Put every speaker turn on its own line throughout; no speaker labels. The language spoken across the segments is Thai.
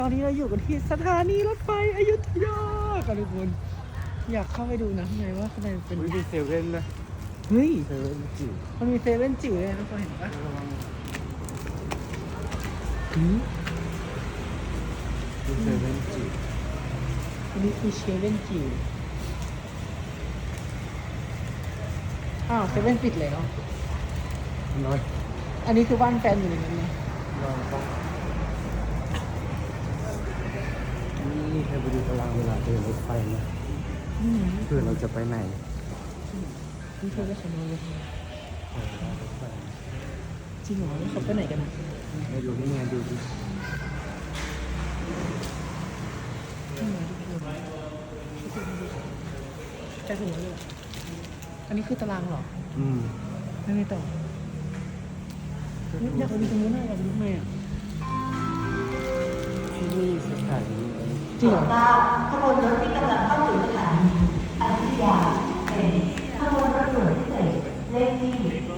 ตอนนี้เราอยู่กันที่สถานีรถไฟอยุธยากันทุกคนอยากเข้าไปดูนะข้างในว่าข้างในเป็น
มีเซเว่นนะ
เฮ้ย
เซเว่นจิ๋ว
มันมีเซเว่นจิ๋วเลยทุกคนเห็นปะ
มีเซเว่นจิ๋ว
อันนี้คือเซเว่นจิ๋วอ้าวเซเว่นปิดแล้ว
น้อย
อันนี้คือบ้านแฟนอยู่ในนั้นนะ
น้อยต้องนี่ให้ไปดูตารางเวลาเดินรถไฟนะเพื่อเราจะไปไหน
นี่เธอจะขโมยรถไฟจริงเหรอเขาไปไหนกัน
ไม่รู้นี่ไงดูดิ
จะถึงแล้วเลยอันนี้คือตารางเหรอไม่ต่ออยากไปดูตรงนู้นน่ะอยากไปดูทำไมอ่ะ
ที่นี่สถานี
จริงเหรอ
ขบวนรถที่กำลังเข้าสู่สถานีอยุธยาเป็นขบวนรถด่วนพิเศษเลขที่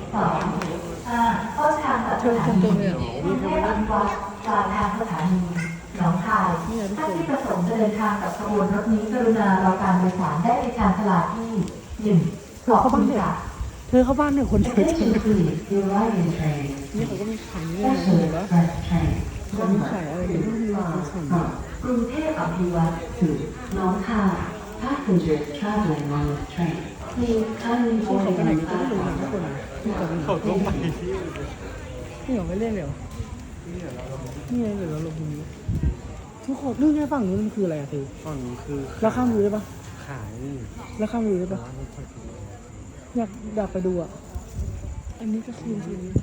2ต้นทางจากสถานีกรุงเทพอภิวัตรปลายทางสถานีหนองคายท่านที่ประสงค์จะเดินทางกับขบวนรถนี้กรุณารอการโดยสารได้ในชานชาลาที่1ขอบคุณค่ะ
เธอเข้าบ้านหนึ่งคนเดียว
Attention please, the arriving train.
นี่เขาก็มีขายนี่เลยนะเห็นปะเขามีขายอะไรอยู่ที่มีขาย
กรุงเทพอภิวัตรถึงหนองคาย Passengers traveling on this train. Please kindly
เขา
board
ไปไหน
on
กันก็ไม่รู้นะทุกคน
platform.
เขาต้องไปที่
นี่เหรอไม่เล่นเลยเหรอนี่ไงเดี๋ยวเราลงตรงนี้ทุกคนนู่นไงฝั่งนู้นมันคืออะไรอะเธอ
ฝั่งนี้คือ
แล้วข้ามรูได้ปะ
ขาย
แล้วข้ามรูได้ปะอยากไปดูอ่ะอันนี้ก็คือ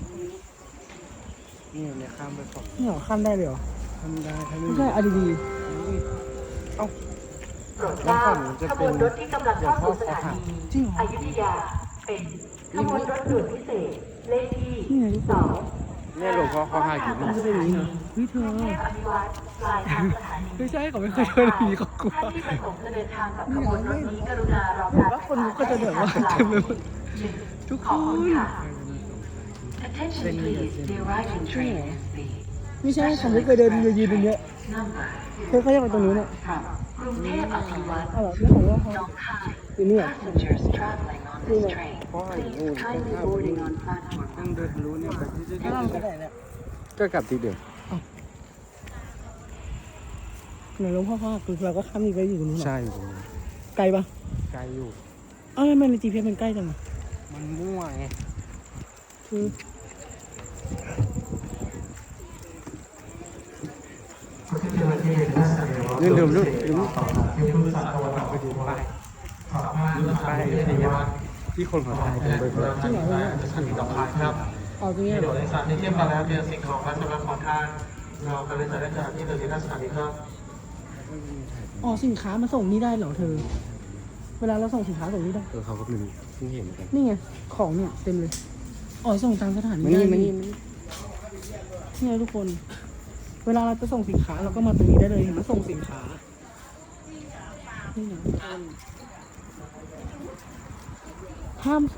นี่เนี่ยข้ามไปฝั่ง
นี่เหรอข้ามได้เลยเหรอ
ข้ามได้ถ้า
ไม่ใช่อะดี
เอ้า
แล้วฝั่งนี้จะเป็นขบวนรถที่กำลังเข้าสู่สถานีอยุธยาเป็นขบวนรถด่วนพิเศษเลขที่2
เนี่ยหลวงพ่อเขาหาอยู่นี่
จะเป็นอย่างนี้เหรอเฮ้ยเธอไม่ใช่เขาไม่เคยเดินอย่างนี้เขากลัว
ที่ประสงค์จะเดินทางกับขบวนรถนี้กรุณารอการ
ว่าคนก็จะแบบว่าเต็มไปหมดทุกคน
Attention please, the arriving train is the
ไม่ใช่ผมไม่เคยเดินยืนตรงเนี้ยเธอเขาอยากไปตรงนู้นเนี่ย
กรุงเทพอภิวัตร
อ๋อแล้วของว่าเขาอยู่นี่เหรอ
Passengers traveling on this train,
เพราะอะไรนู่น
please kindly boarding on platform.
ต้องเดินรู้เนี่ยไปที่จะ
แล้วเราไปไหนเนี่ย
ก็กลับที่เดิม
ไหนหลวงพ่อเขาคือเราก็ข้ามนี่ไปอยู่ตรงนู้นหรอ
ใช่อยู่ตรงนี้
ไกลปะ
ไกลอยู่
อ้าวทำไมใน GPS มันใกล้จังอ่ะ
มันมั่วไง
คือ
ลืมไปดูป้ายที่คนเขาถ่ายกันบ่อยๆ
จริงเหรอเนี่ย
สถานีต่อไปครับ
เอาตรงนี้เหร
เดี๋ยว
อ
ในสถานีเทียบกันแล้วเนี่ยสิ่งของและสำหรับของท่านเรากำลังจะได้จากที่เดินที่หน้าสถานีครับ
อ๋อสินค้ามาส่งนี่ได้เหรอเธอเวลาเราส่งสินค้าส่งนี่ได้
เขาก็ไม่รู้เพิ่งเห็นกัน
นี่ไงของเนี่ยเต็มเลยอ๋อส่งตามสถานี
มา
ได้
นี่
นี่ไงทุกคนเวลาเราจะส่งสินค้าเราก็มาตรงนี้ได้เลยมาส่งสินค้านี่นะห้าม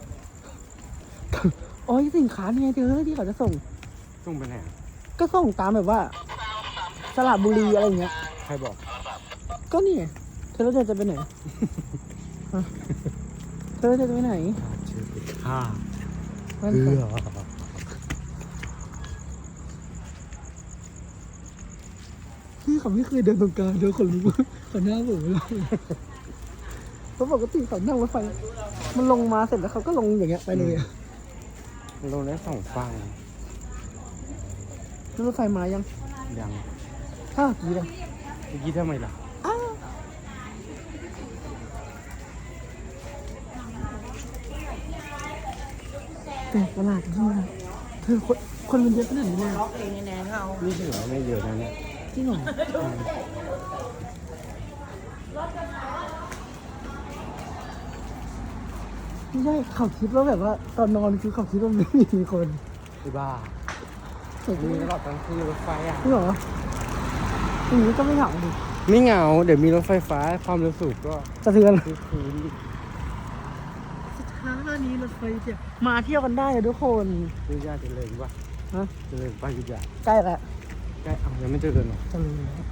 อ๋อสินค้าเนี่ยเธอที่เขาจะส่ง
ส่งไปไหน
ก็ส่งตามแบบว่าสระบุรีอะไรอย่างเงี้ย
ใครบอก
ก็นี่ไงเธอแล้วเธอจะไปไหน เธอจะไปไหน
เชื่อไปฆ่า
พี่เขาไม่เคยเดินตรงกลางเดินคนรู้เขาหน้าผมเลยเพราะปกติเขานั่งรถไฟมันลงมาเสร็จแล้วเขาก็ลงอย่างเงี้ยไปเลย
ลงได้2 ฝั่ง
รถไฟมายังกี่
เมื่อกี้ทำไมล่ะ
แต่ตลาดนี่นะเธอคนมันเยอะขนาดนี้เลย
นี่ถือว่าไม่เยอะนะเนี่ย
จริงเหรอไม่ใช่เขาคิดว่าแบบว่าตอนนอนคือเขาคิดว่าไม่มีคน
ไอ้บ้ามีตลอดทั้งคืนรถไฟอ่ะ
จริงเหรออย่างนี้ก็ไม่เหงาดิ
ไม่เหงาเดี๋ยวมีรถไฟฟ้าความเร็วสูงก็
สะเทือน
คืน
สถานีรถไฟเจ็บมาเที่ยวกันได้เลยทุกคน
ยุธยาเจริญป่ะ
ฮะ
เจริญป่ะยุธยา
ใกล้แล้ว
ใกล้ยังไม่เจอกันหรอ
เจอแล้ว